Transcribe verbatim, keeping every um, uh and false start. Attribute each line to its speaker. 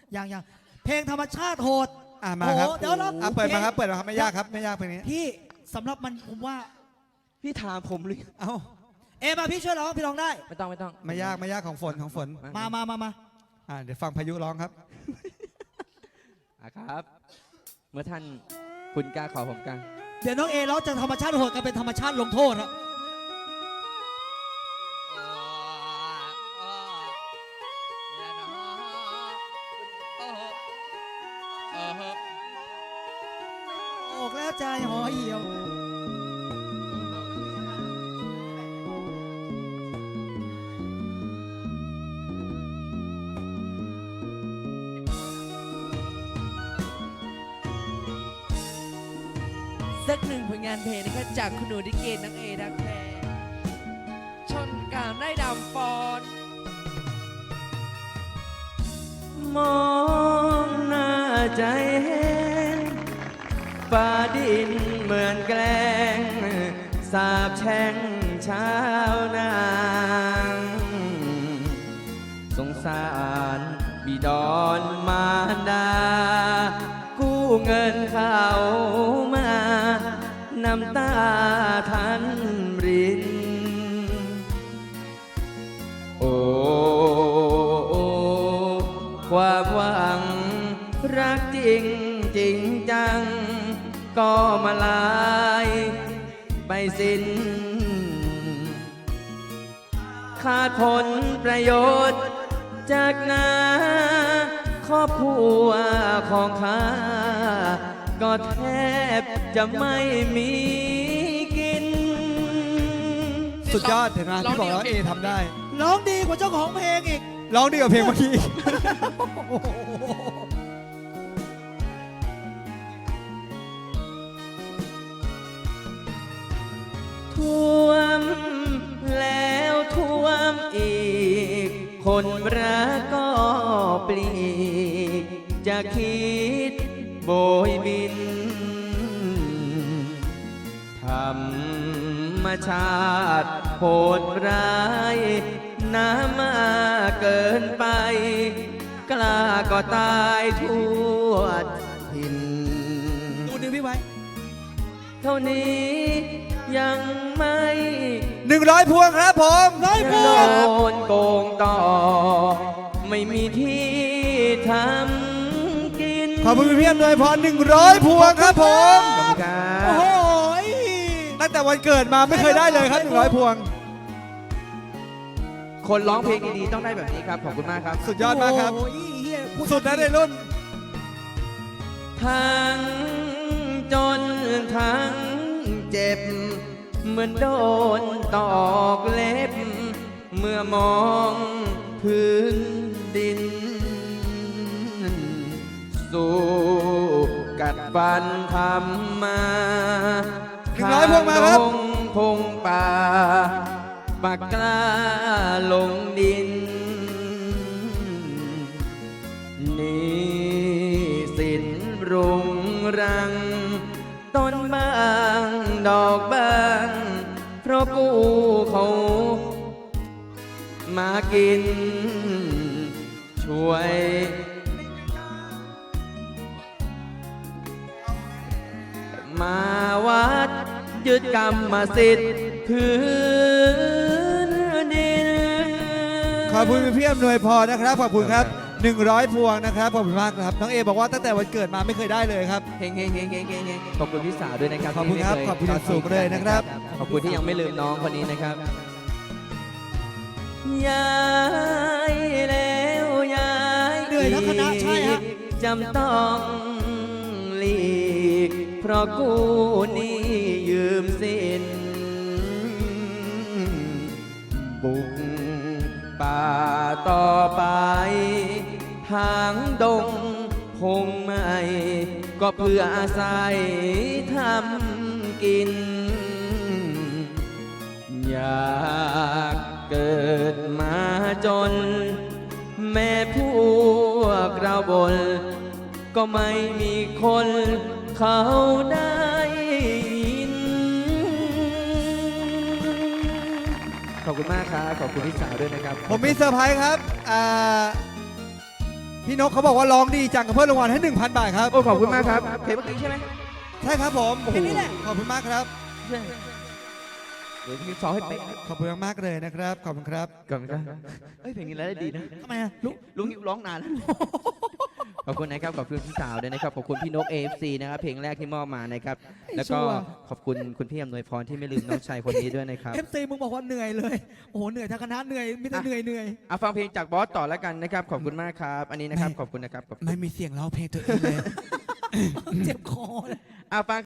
Speaker 1: ยังยังเพลงธรรมชาติโหด
Speaker 2: อ่ามาครับ
Speaker 1: โอ้เดี๋ยวเรา
Speaker 2: อ่ะเปิดมาครับเปิดมาครับไม่ยากครับไม่ยากเพลงนี้
Speaker 1: พี่สำหรับมันผมว่า
Speaker 3: พี่ถามผมเลย
Speaker 2: เอ้า
Speaker 1: เอมาพี่ช่วยร้องพี่ร้องได้
Speaker 3: ไม่ต้องไม่ต้อง
Speaker 2: ไม่ยากไม่ยากของฝนของฝน
Speaker 1: มามามามา
Speaker 2: อ่าเดี๋ยวฟังพายุร้องครับ
Speaker 3: อ่ะครับ เมื่อท่านคุณกล้าขอผมกล้า
Speaker 1: เดี๋ยวน้องเอร้องจากธรรมชาติโหดกันเป็นธรรมชาติลงโทษครับ ออกแล้วใจห่อเหี่ยว
Speaker 4: สักหนึ่งผลงานเพลงนะครับจากคุณหนูดิเกตนังเอดักแพรชนกามได้ดำฟอน
Speaker 3: มองหน้าใจเห็นฟ้าดินเหมือนแกล้งสาบแช่งชาวนางสงสารบิดอนมารดา กู้เงินเขามาน้ำตาทันริน โอ้โอ้ความหวังรักจริงจริงจัง ก็มาลายไปสิ้น ขาดผลประโยชน์จากนาครอบครัวของข้าก็แทบจะไม่มีกิน
Speaker 2: สุดยอดเห็นไหมพี่บอกแล้วเอทำได้
Speaker 1: ร้องดีกว่าเจ้าของเพลงอีก
Speaker 2: ร้องดีกว่าเพลงเมื่อกี้
Speaker 3: ท่วมแล้วท่วมอีก คนรักก็ปลีกจะคิดโบยบิน ธรรมชาติโหดร้าย น้ำมาเกินไป กล้าก็ตายทั่วถิ่น
Speaker 1: ดูนิ้วพี่ไว้
Speaker 3: เท่านี้ยังไม่
Speaker 2: หนึ่งร้อยพวงครับผม
Speaker 1: ร้อยพ
Speaker 3: โด
Speaker 1: วง
Speaker 3: นโกงต่อ ไม่มีที่ทำกิน
Speaker 2: ขอบคุณพี่อำนวยพรหนึ่งร้อยพวงครับผม
Speaker 3: ขอบคุณครั
Speaker 1: โอ้
Speaker 3: บ
Speaker 1: โห
Speaker 2: ตั้งแต่วันเกิดมาไม่เคยได้เลยครับหนึ่งร้อยพวง
Speaker 3: คนร้องเพลงดีๆต้องได้แบบนี้ครับ ขอบคุณมากครับ
Speaker 2: สุดยอดมากครับ
Speaker 1: โอ้ยเหี้ยพู
Speaker 2: สุดนะในรุ่น
Speaker 3: ทั้งจนทั้งเจ็บ เหมือนโดนตอกเล็บ เมื่อมองพื้นดิน สู้กัดฟันทำมา
Speaker 2: หนึ่งร้อยพวงมาครับ
Speaker 3: ทงพงป่าปากกล้าลงดิน นี่สินรุงรัง ต้นบางดอกบาง เพราะกูเขามากิน ช่วย มาวัดยึดกรรมสิทธิ์พื้นดิน
Speaker 2: ขอบคุณพี่อำนวยพรนะครับ ขอบคุณครับหนึ่งร้อยพวงนะครับ ขอบคุณมากครับ น้องเอบอกว่าตั้งแต่วันเกิดมาไม่เคยได้เลยครับ
Speaker 3: เฮงเฮงเฮงเฮงเฮงเฮงขอบคุณพี่สาวด้วยนะครับ
Speaker 2: ขอบคุณครับ
Speaker 3: ที่
Speaker 2: ขอบคุณอย่างสูง
Speaker 3: ทดทิ้
Speaker 2: เลยนะครับ
Speaker 3: ขอบคุณที่ยังไม่ลืมน้องคนนี้นะครับย้ายแล้วย้าย
Speaker 1: เหนื่อยทั้งคณะใช่ฮะ
Speaker 3: จำต้องหลีก เพราะกูนี่ยืมสิน บุกป่าต่อไป ทางดงพงใหม่ ก็เพื่ออาศัยทำกิน อยากเกิดมาจน แม่พวกเราบน ก็ไม่มีคนเขาได้ยิน ขอบคุณมากครับ ขอบคุณพี่สาวด้วยนะครับ
Speaker 2: ผมมีเซอร์ไพรส์ครับอ่าพี่นกเขาบอกว่าร้องดีจังกับเพิ่มรางวัลให้ หนึ่งพัน บาทครับ
Speaker 3: โอ้ขอบคุณมากครับเพลงเมื่อกี้ใช่ไหม
Speaker 2: ใช่ครับผม
Speaker 1: แค่นี้แหละ
Speaker 2: ขอบคุณมากครับ
Speaker 3: ใช่เดี๋ยวพี่ซ้อมให้เป๊ะ
Speaker 2: ขอบคุณมากๆเลยนะครับ ขอบคุณครับ
Speaker 3: ก่อนครับเอ้ยเพลงนี้แล้วได้ดีนะ
Speaker 1: ทำไมอะลุก
Speaker 3: ลุงนิวร้องนานแล้วขอบคุณนะครับขอบคุณพี่สาวด้วยนะครับขอบคุณพี่นก เอ เอฟ ซี นะครับเพลงแรกที่มอบมานะครับแล้วก็ขอบคุณคุณพี่อำนวยพรที่ไม่ลืมน้องชายคนนี้ด้วยนะครับ
Speaker 1: เอฟซีมึงบอกว่าเหนื่อยเลย โอ้โหเหนื่อยทั้งคณะเหนื่อยไมแต่ได้เหนื่อยเหนื่อย
Speaker 3: เอาฟังเพลงจากบอสต่อแล้วกันนะครับขอบคุณมากครับอันนี้นะครับขอบคุณนะครับขอบคุณ
Speaker 1: ไม่มีเสียงร้องเพลงตัวเองเลย เจ็บคอเลย
Speaker 3: เอาฟัง